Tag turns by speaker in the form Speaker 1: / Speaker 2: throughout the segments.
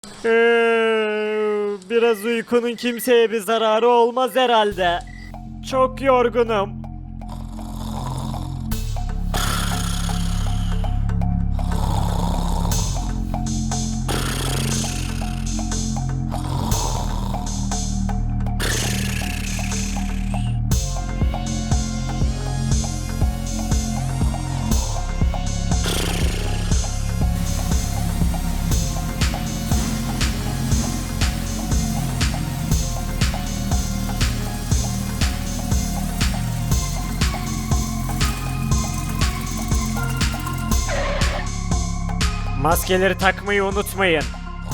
Speaker 1: Biraz uykunun kimseye bir zararı olmaz herhalde. Çok yorgunum. Maskeleri takmayı unutmayın.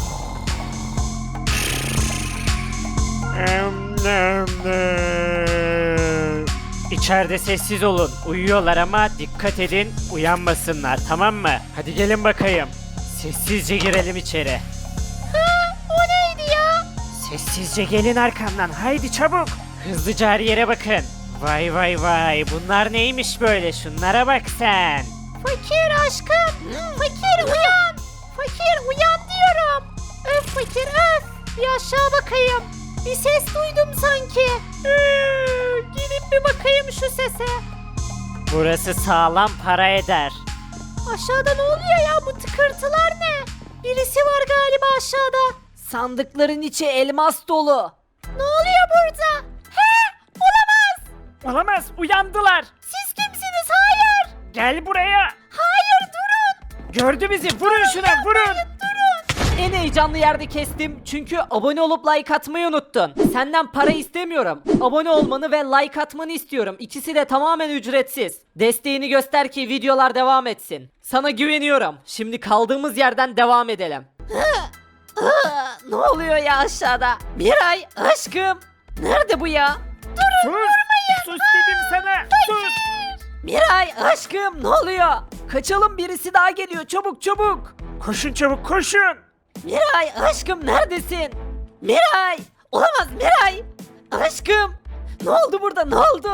Speaker 1: İçeride sessiz olun. Uyuyorlar ama dikkat edin uyanmasınlar, tamam mı? Hadi gelin bakayım. Sessizce girelim içeri.
Speaker 2: O neydi ya?
Speaker 1: Sessizce gelin arkamdan. Haydi çabuk. Hızlıca her yere bakın. Vay vay vay. Bunlar neymiş böyle? Şunlara bak sen.
Speaker 2: Fakir aşkım. Fakir uyan. Fakir uyan diyorum. Öf fakir öf. Bir aşağı bakayım. Bir ses duydum sanki. Gidip bir bakayım şu sese.
Speaker 1: Burası sağlam para eder.
Speaker 2: Aşağıda ne oluyor ya, bu tıkırtılar ne? Birisi var galiba aşağıda.
Speaker 3: Sandıkların içi elmas dolu.
Speaker 2: Ne oluyor burada? He? Olamaz.
Speaker 1: Olamaz. Uyandılar.
Speaker 2: Siz kimsiniz? Hayır.
Speaker 1: Gel buraya.
Speaker 2: Hayır durun.
Speaker 1: Gördü bizi. Vurun şuna. Vurun.
Speaker 3: En heyecanlı yerde kestim çünkü abone olup like atmayı unuttun. Senden para istemiyorum. Abone olmanı ve like atmanı istiyorum. İkisi de tamamen ücretsiz. Desteğini göster ki videolar devam etsin. Sana güveniyorum. Şimdi kaldığımız yerden devam edelim. Ne oluyor ya aşağıda? Miray aşkım. Nerede bu ya?
Speaker 1: Sus. Sus dedim sana. Sus.
Speaker 3: Miray aşkım ne oluyor? Kaçalım, birisi daha geliyor, çabuk çabuk.
Speaker 1: Koşun çabuk koşun.
Speaker 3: Miray aşkım neredesin? Miray! Olamaz Miray! Aşkım! Ne oldu burada, ne oldu?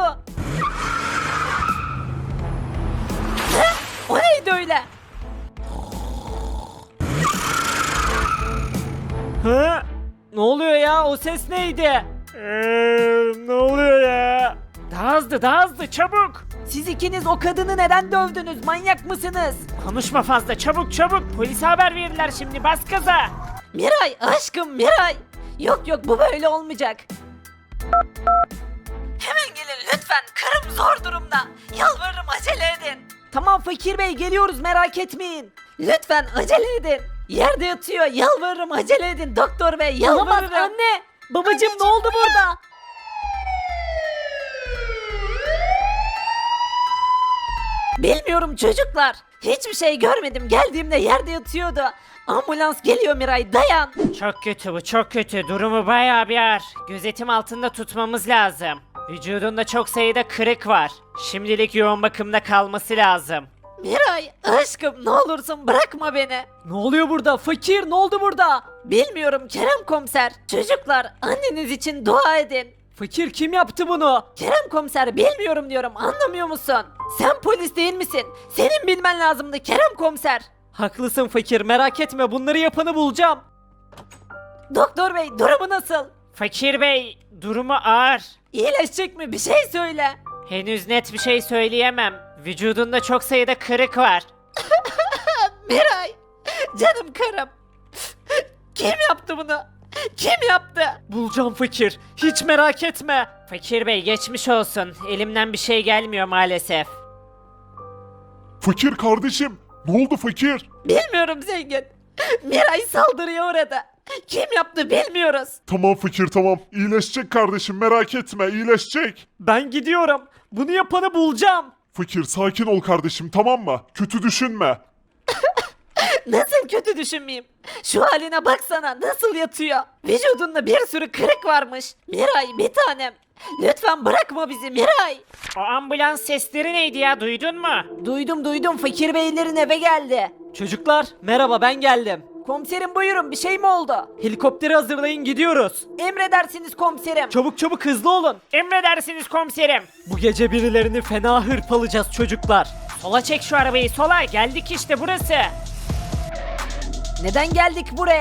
Speaker 3: Ne? O neydi öyle?
Speaker 1: Ha?
Speaker 3: Ne oluyor ya, o ses neydi?
Speaker 1: Ne oluyor ya? Daha hızlı daha hızlı çabuk.
Speaker 3: Siz ikiniz o kadını neden dövdünüz, manyak mısınız?
Speaker 1: Konuşma fazla çabuk çabuk. Polise haber verirler şimdi, bas gaza.
Speaker 3: Miray aşkım Miray! Yok yok, bu böyle olmayacak. Hemen gelin lütfen, karım zor durumda. Yalvarırım acele edin. Tamam fakir bey, geliyoruz, merak etmeyin. Lütfen acele edin. Yerde yatıyor, yalvarırım acele edin doktor bey, yalvarırım. Olamaz anne. Babacım ne oldu burada? Bilmiyorum çocuklar. Hiçbir şey görmedim. Geldiğimde yerde yatıyordu. Ambulans geliyor Miray, dayan.
Speaker 1: Çok kötü bu, çok kötü. Durumu bayağı bir ağır. Gözetim altında tutmamız lazım. Vücudunda çok sayıda kırık var. Şimdilik yoğun bakımda kalması lazım.
Speaker 3: Miray aşkım ne olursun bırakma beni. Ne oluyor burada fakir, ne oldu burada? Bilmiyorum Kerem komiser. Çocuklar anneniz için dua edin. Fakir kim yaptı bunu? Kerem komiser bilmiyorum diyorum, anlamıyor musun? Sen polis değil misin? Senin bilmen lazımdı Kerem komiser. Haklısın fakir, merak etme, bunları yapanı bulacağım. Doktor bey durumu nasıl?
Speaker 1: Fakir bey, durumu ağır.
Speaker 3: İyileşecek mi, bir şey söyle.
Speaker 1: Henüz net bir şey söyleyemem. Vücudunda çok sayıda kırık var.
Speaker 3: Miray canım karım. Kim yaptı bunu? Kim yaptı? Bulacağım fakir, hiç merak etme.
Speaker 1: Fakir bey geçmiş olsun. Elimden bir şey gelmiyor maalesef.
Speaker 4: Fakir kardeşim, ne oldu fakir?
Speaker 3: Bilmiyorum zengin. Miray saldırıya uğradı. Kim yaptı bilmiyoruz.
Speaker 4: Tamam fakir tamam, iyileşecek kardeşim merak etme iyileşecek.
Speaker 3: Ben gidiyorum. Bunu yapanı bulacağım.
Speaker 4: Fakir sakin ol kardeşim tamam mı? Kötü düşünme.
Speaker 3: Nasıl kötü düşünmeyeyim? Şu haline baksana, nasıl yatıyor? Vücudunda bir sürü kırık varmış. Miray bir tanem. Lütfen bırakma bizi Miray.
Speaker 1: O ambulans sesleri neydi ya, duydun mu?
Speaker 3: Duydum, fakir beylerin eve geldi. Çocuklar merhaba, ben geldim. Komiserim buyurun, bir şey mi oldu? Helikopteri hazırlayın, gidiyoruz. Emredersiniz komiserim. Çabuk hızlı olun.
Speaker 1: Emredersiniz komiserim.
Speaker 3: Bu gece birilerini fena hırpalayacağız çocuklar.
Speaker 1: Sola çek şu arabayı, sola. Geldik işte, burası.
Speaker 3: Neden geldik buraya?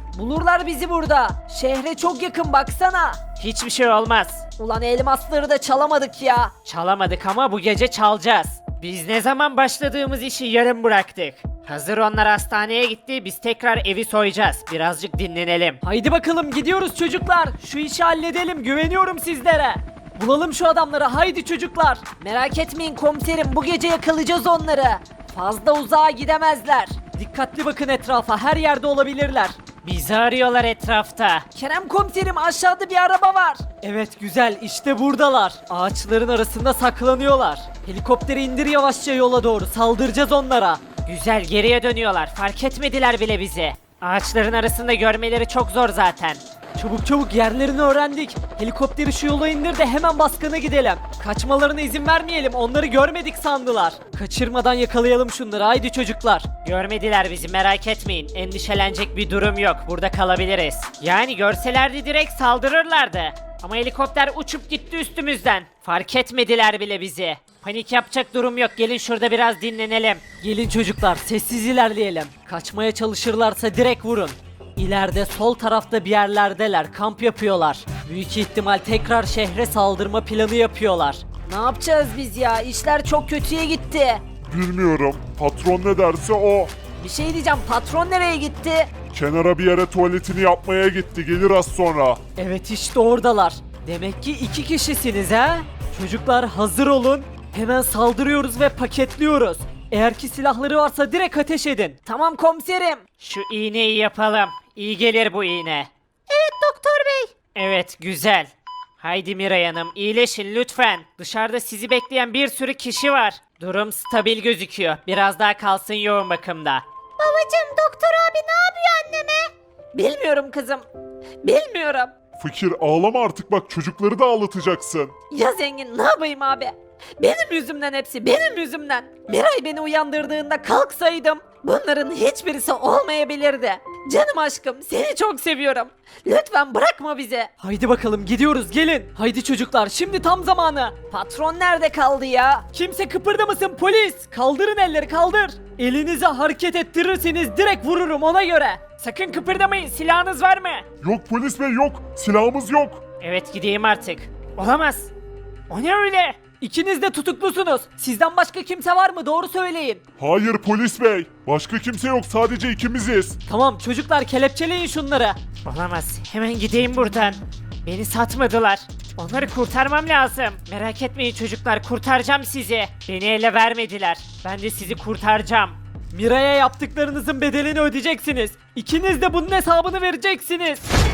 Speaker 3: Bulurlar bizi burada. Şehre çok yakın baksana.
Speaker 1: Hiçbir şey olmaz.
Speaker 3: Ulan elmasları da çalamadık ya.
Speaker 1: Çalamadık ama bu gece çalacağız. Biz ne zaman başladığımız işi yarım bıraktık. Hazır onlar hastaneye gitti, biz tekrar evi soyacağız. Birazcık dinlenelim.
Speaker 3: Haydi bakalım gidiyoruz çocuklar. Şu işi halledelim, güveniyorum sizlere. Bulalım şu adamları, haydi çocuklar. Merak etmeyin komiserim, bu gece yakalayacağız onları. Fazla uzağa gidemezler. Dikkatli bakın etrafa, her yerde olabilirler.
Speaker 1: Bizi arıyorlar etrafta.
Speaker 3: Kerem komiserim, aşağıda bir araba var. Evet güzel, işte buradalar. Ağaçların arasında saklanıyorlar. Helikopteri indir yavaşça yola doğru, saldıracağız onlara.
Speaker 1: Güzel, geriye dönüyorlar. Fark etmediler bile bizi. Ağaçların arasında görmeleri çok zor zaten.
Speaker 3: Çabuk çabuk, yerlerini öğrendik. Helikopteri şu yola indir de hemen baskına gidelim. Kaçmalarına izin vermeyelim, onları görmedik sandılar. Kaçırmadan yakalayalım şunları, haydi çocuklar.
Speaker 1: Görmediler bizi, merak etmeyin. Endişelenecek bir durum yok. Burada kalabiliriz. Yani görselerdi direkt saldırırlardı. Ama helikopter uçup gitti üstümüzden. Fark etmediler bile bizi. Panik yapacak durum yok. Gelin şurada biraz dinlenelim.
Speaker 3: Gelin çocuklar, sessiz ilerleyelim. Kaçmaya çalışırlarsa direkt vurun. İleride sol tarafta bir yerlerdeler, kamp yapıyorlar. Büyük ihtimal tekrar şehre saldırma planı yapıyorlar. Ne yapacağız biz ya? İşler çok kötüye gitti.
Speaker 4: Bilmiyorum. Patron ne derse o.
Speaker 3: Bir şey diyeceğim, patron nereye gitti?
Speaker 4: Kenara bir yere tuvaletini yapmaya gitti. Gelir az sonra.
Speaker 3: Evet, işte oradalar. Demek ki 2 kişisiniz ha? Çocuklar hazır olun. Hemen saldırıyoruz ve paketliyoruz. Eğer ki silahları varsa direkt ateş edin. Tamam komiserim.
Speaker 1: Şu iğneyi yapalım. İyi gelir bu iğne.
Speaker 2: Evet doktor bey.
Speaker 1: Evet, güzel. Haydi Miray Hanım, iyileşin lütfen. Dışarıda sizi bekleyen bir sürü kişi var. Durum stabil gözüküyor. Biraz daha kalsın yoğun bakımda.
Speaker 2: Babacım, doktor abi ne yapıyor anneme?
Speaker 3: Bilmiyorum kızım. Bilmiyorum.
Speaker 4: Fakir ağlama artık, bak çocukları da ağlatacaksın.
Speaker 3: Ya zengin, ne yapayım abi? Benim yüzümden hepsi, benim yüzümden. Miray beni uyandırdığında kalksaydım bunların hiçbirisi olmayabilirdi. Canım aşkım, seni çok seviyorum. Lütfen bırakma bizi. Haydi bakalım gidiyoruz, gelin. Haydi çocuklar, şimdi tam zamanı. Patron nerede kaldı ya? Kimse kıpırdamasın, polis. Kaldırın elleri, kaldır. Elinizi hareket ettirirseniz direkt vururum, ona göre.
Speaker 1: Sakın kıpırdamayın, silahınız var mı?
Speaker 4: Yok polis bey, yok. Silahımız yok.
Speaker 1: Evet, gideyim artık. Olamaz. O ne öyle?
Speaker 3: İkiniz de tutuklusunuz. Sizden başka kimse var mı? Doğru söyleyin.
Speaker 4: Hayır polis bey. Başka kimse yok, sadece ikimiziz.
Speaker 3: Tamam çocuklar, kelepçeleyin şunları.
Speaker 1: Olamaz. Hemen gideyim buradan. Beni satmadılar. Onları kurtarmam lazım. Merak etmeyin çocuklar, kurtaracağım sizi. Beni ele vermediler. Ben de sizi kurtaracağım.
Speaker 3: Miray'a yaptıklarınızın bedelini ödeyeceksiniz. İkiniz de bunun hesabını vereceksiniz.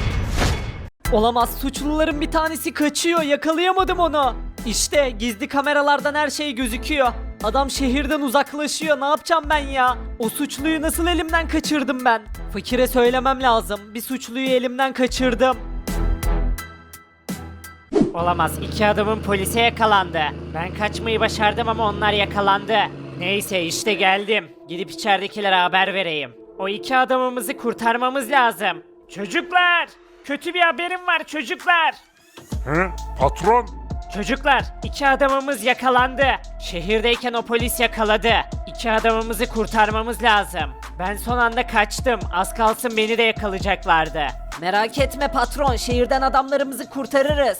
Speaker 3: Olamaz, suçluların bir tanesi kaçıyor, yakalayamadım onu. İşte gizli kameralardan her şey gözüküyor. Adam şehirden uzaklaşıyor, ne yapacağım ben ya? O suçluyu nasıl elimden kaçırdım ben? Fakire söylemem lazım, bir suçluyu elimden kaçırdım.
Speaker 1: Olamaz. 2 adamın polise yakalandı. Ben kaçmayı başardım ama onlar yakalandı. Neyse işte geldim. Gidip içeridekilere haber vereyim. O 2 adamımızı kurtarmamız lazım. Çocuklar! Kötü bir haberim var çocuklar.
Speaker 4: He? Patron?
Speaker 1: Çocuklar, 2 adamımız yakalandı. Şehirdeyken o polis yakaladı. 2 adamımızı kurtarmamız lazım. Ben son anda kaçtım. Az kalsın beni de yakalayacaklardı.
Speaker 3: Merak etme patron, şehirden adamlarımızı kurtarırız.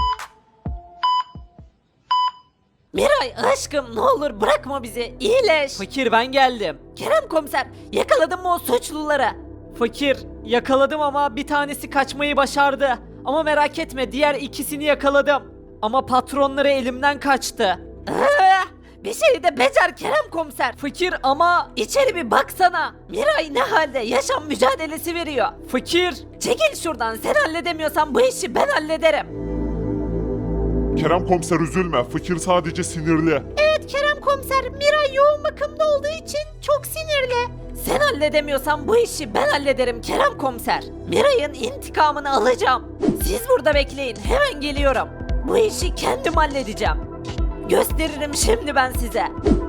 Speaker 3: Miray aşkım, ne olur bırakma bizi, iyileş. Fakir, ben geldim. Kerem komiser, yakaladın mı o suçluları? Fakir, yakaladım ama bir tanesi kaçmayı başardı. Ama merak etme, diğer ikisini yakaladım. Ama patronları elimden kaçtı. Bir şey de becer Kerem komiser. Fakir, ama içeri bir baksana. Miray ne halde, yaşam mücadelesi veriyor. Fakir, çekil şuradan, sen halledemiyorsan bu işi ben hallederim.
Speaker 4: Kerem komiser üzülme, fakir sadece sinirli.
Speaker 2: Evet Kerem komiser, Miray yoğun bakımda olduğu için çok sinirli.
Speaker 3: Sen halledemiyorsan bu işi ben hallederim Kerem komiser. Miray'ın intikamını alacağım. Siz burada bekleyin, hemen geliyorum. Bu işi kendim halledeceğim. Gösteririm şimdi ben size.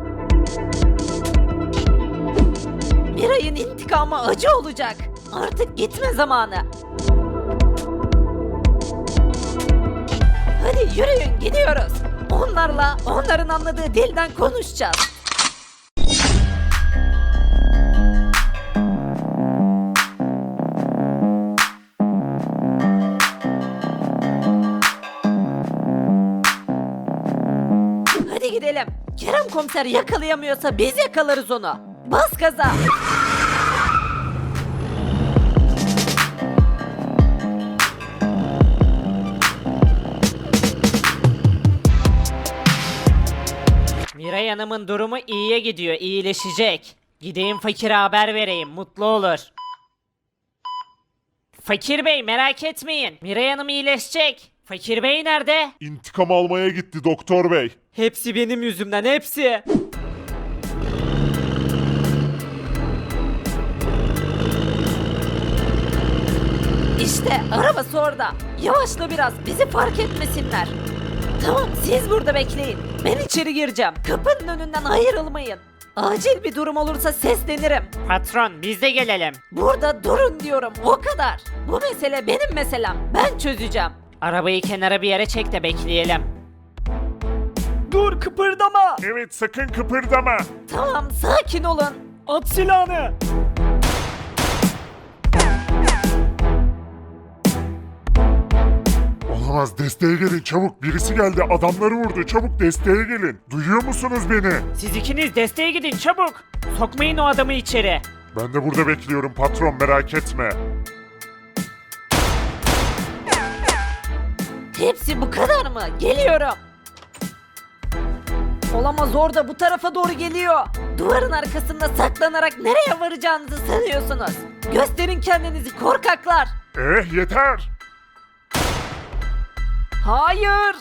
Speaker 3: Miray'ın intikamı acı olacak. Artık gitme zamanı. Hadi yürüyün, gidiyoruz. Onlarla onların anladığı dilden konuşacağız. edelim. Kerem komiser yakalayamıyorsa biz yakalarız onu. Bas gaza.
Speaker 1: Miray Hanım'ın durumu iyiye gidiyor, iyileşecek. Gideyim fakire haber vereyim, mutlu olur. Fakir Bey merak etmeyin, Miray Hanım iyileşecek. Fakir Bey nerede?
Speaker 4: İntikam almaya gitti doktor bey.
Speaker 3: Hepsi benim yüzümden, hepsi. İşte arabası orada. Yavaşla biraz, bizi fark etmesinler. Tamam, siz burada bekleyin. Ben içeri gireceğim. Kapının önünden ayrılmayın. Acil bir durum olursa seslenirim.
Speaker 1: Patron biz de gelelim.
Speaker 3: Burada durun diyorum, o kadar. Bu mesele benim meselem. Ben çözeceğim.
Speaker 1: Arabayı kenara bir yere çek de bekleyelim.
Speaker 3: Dur, kıpırdama.
Speaker 4: Evet sakın kıpırdama.
Speaker 3: Tamam, sakin olun.
Speaker 1: At silahını.
Speaker 4: Olamaz desteğe gelin çabuk birisi geldi adamları vurdu çabuk desteğe gelin. Duyuyor musunuz beni?
Speaker 1: Siz ikiniz desteğe gidin çabuk. Sokmayın o adamı içeri.
Speaker 4: Ben de burada bekliyorum patron merak etme.
Speaker 3: Hepsi bu kadar mı? Geliyorum. Olamaz, orada bu tarafa doğru geliyor. Duvarın arkasında saklanarak nereye varacağınızı sanıyorsunuz? Gösterin kendinizi korkaklar.
Speaker 4: Yeter.
Speaker 3: Hayır.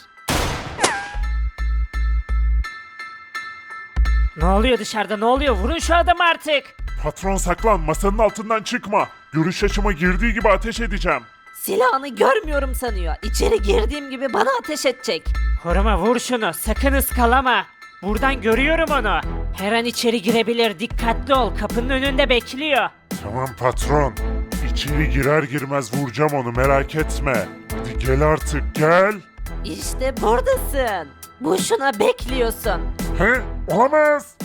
Speaker 1: Ne oluyor dışarıda, ne oluyor? Vurun şu adamı artık.
Speaker 4: Patron saklan masanın altından çıkma. Görüş açıma girdiği gibi ateş edeceğim.
Speaker 3: Silahını görmüyorum sanıyor. İçeri girdiğim gibi bana ateş edecek.
Speaker 1: Koruma vur şunu, sakın ıskalama. Buradan görüyorum onu. Her an içeri girebilir, dikkatli ol. Kapının önünde bekliyor.
Speaker 4: Tamam patron. İçeri girer girmez vuracağım onu merak etme. Hadi gel artık gel.
Speaker 3: İşte buradasın. Boşuna bekliyorsun.
Speaker 4: He? Olamaz.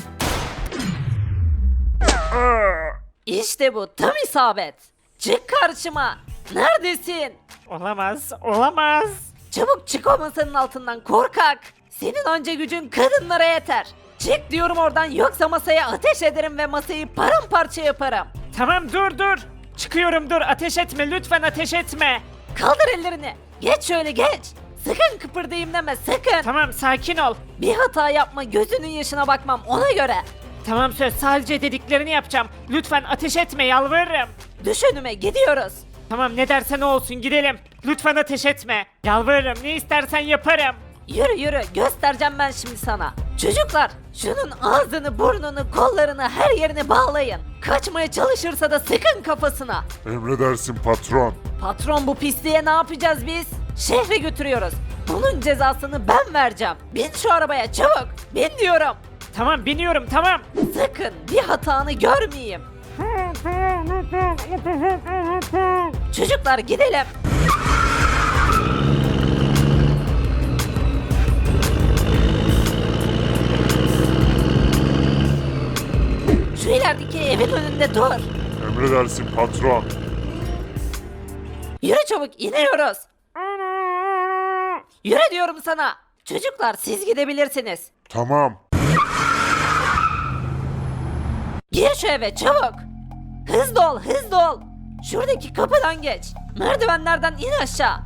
Speaker 4: Aa!
Speaker 3: İşte bu, tam isabet. Çık karşıma. Neredesin?
Speaker 1: Olamaz, olamaz.
Speaker 3: Çabuk çık o masanın altından korkak. Senin anca gücün kadınlara yeter. Çık diyorum oradan, yoksa masaya ateş ederim ve masayı paramparça yaparım.
Speaker 1: Tamam dur. Çıkıyorum dur, ateş etme lütfen ateş etme.
Speaker 3: Kaldır ellerini. Geç şöyle geç. Sakın kıpırdayım deme, sakın.
Speaker 1: Tamam sakin ol.
Speaker 3: Bir hata yapma, gözünün yaşına bakmam ona göre.
Speaker 1: Tamam söz, sadece dediklerini yapacağım. Lütfen ateş etme yalvarırım.
Speaker 3: Düş önüme, gidiyoruz.
Speaker 1: Tamam ne dersen o olsun gidelim. Lütfen ateş etme. Yalvarırım, ne istersen yaparım.
Speaker 3: Yürü yürü, göstereceğim ben şimdi sana. Çocuklar, şunun ağzını, burnunu, kollarını, her yerini bağlayın. Kaçmaya çalışırsa da sıkın kafasına.
Speaker 4: Emredersin patron.
Speaker 3: Patron, bu pisliğe ne yapacağız biz? Şehre götürüyoruz. Bunun cezasını ben vereceğim. Bin şu arabaya çabuk. Bin diyorum.
Speaker 1: Tamam biniyorum tamam.
Speaker 3: Sakın bir hatanı görmeyeyim. Çocuklar gidelim. Şu ilerideki evin önünde dur.
Speaker 4: Emredersin patron.
Speaker 3: Yürü çabuk, iniyoruz. Yürü diyorum sana. Çocuklar, siz gidebilirsiniz.
Speaker 4: Tamam.
Speaker 3: Gir şu eve çabuk. Hızlı ol, hızlı ol. Şuradaki kapıdan geç. Merdivenlerden in aşağı.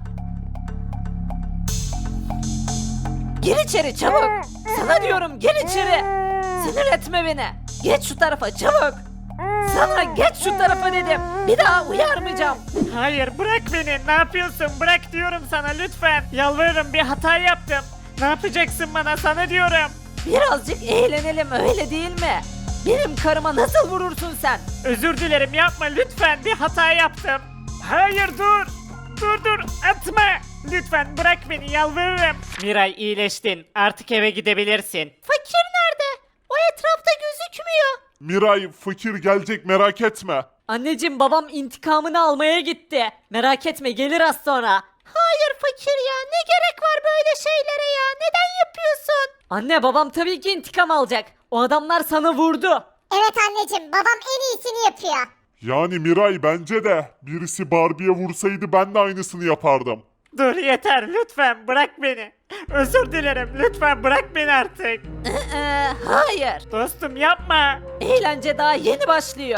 Speaker 3: Gir içeri çabuk. Sana diyorum, gir içeri. Sinir etme beni. Geç şu tarafa çabuk. Sana geç şu tarafa dedim. Bir daha uyarmayacağım.
Speaker 1: Hayır bırak beni, ne yapıyorsun? Bırak diyorum sana lütfen. Yalvarırım, bir hata yaptım. Ne yapacaksın bana, sana diyorum.
Speaker 3: Birazcık eğlenelim, öyle değil mi? Benim karıma nasıl vurursun sen?
Speaker 1: Özür dilerim, yapma lütfen, bir hata yaptım. Hayır dur. Dur atma. Lütfen bırak beni, yalvarırım. Miray iyileştin, artık eve gidebilirsin.
Speaker 2: Fakir nerede? O etrafta gözükmüyor.
Speaker 4: Miray fakir gelecek merak etme.
Speaker 3: Anneciğim, babam intikamını almaya gitti. Merak etme, gelir az sonra.
Speaker 2: Hayır fakir ya, ne gerek var böyle şeylere ya? Neden yapıyorsun?
Speaker 3: Anne, babam tabii ki intikam alacak. O adamlar sana vurdu.
Speaker 5: Evet anneciğim, babam en iyisini yapıyor.
Speaker 4: Yani Miray bence de birisi Barbie'ye vursaydı ben de aynısını yapardım.
Speaker 1: Dur yeter lütfen bırak beni. Özür dilerim lütfen bırak beni artık.
Speaker 3: Hayır.
Speaker 1: Dostum yapma.
Speaker 3: Eğlence daha yeni başlıyor.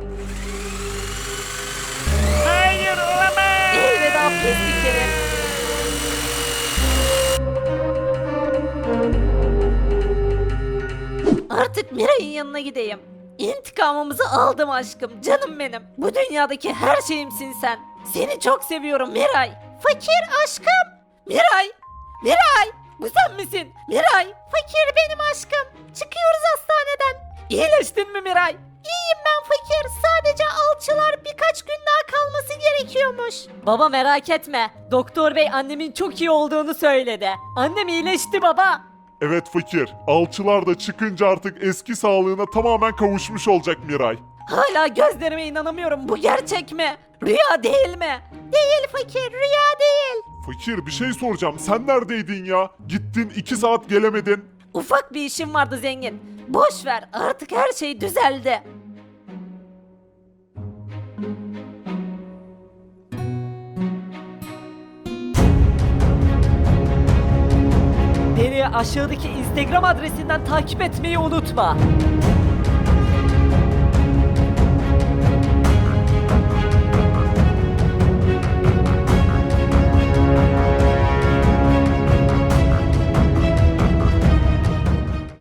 Speaker 1: Hayır olamaz.
Speaker 3: Elveda pislikleri. Artık Miray'ın yanına gideyim. İntikamımızı aldım aşkım, canım benim. Bu dünyadaki her şeyimsin sen. Seni çok seviyorum Miray.
Speaker 2: Fakir aşkım.
Speaker 3: Miray! Miray! Bu sen misin? Miray!
Speaker 2: Fakir benim aşkım. Çıkıyoruz hastaneden.
Speaker 3: İyileştin mi Miray?
Speaker 2: İyiyim ben fakir. Sadece alçılar birkaç gün daha kalması gerekiyormuş.
Speaker 3: Baba merak etme. Doktor bey annemin çok iyi olduğunu söyledi. Annem iyileşti baba.
Speaker 4: Evet fakir. Alçılar da çıkınca artık eski sağlığına tamamen kavuşmuş olacak Miray.
Speaker 3: Hala gözlerime inanamıyorum. Bu gerçek mi? Rüya değil mi?
Speaker 2: Değil fakir, rüya değil.
Speaker 4: Fakir bir şey soracağım. Sen neredeydin ya? Gittin 2 saat gelemedin.
Speaker 3: Ufak bir işim vardı zengin. Boş ver, artık her şey düzeldi. Beni aşağıdaki Instagram adresinden takip etmeyi unutma.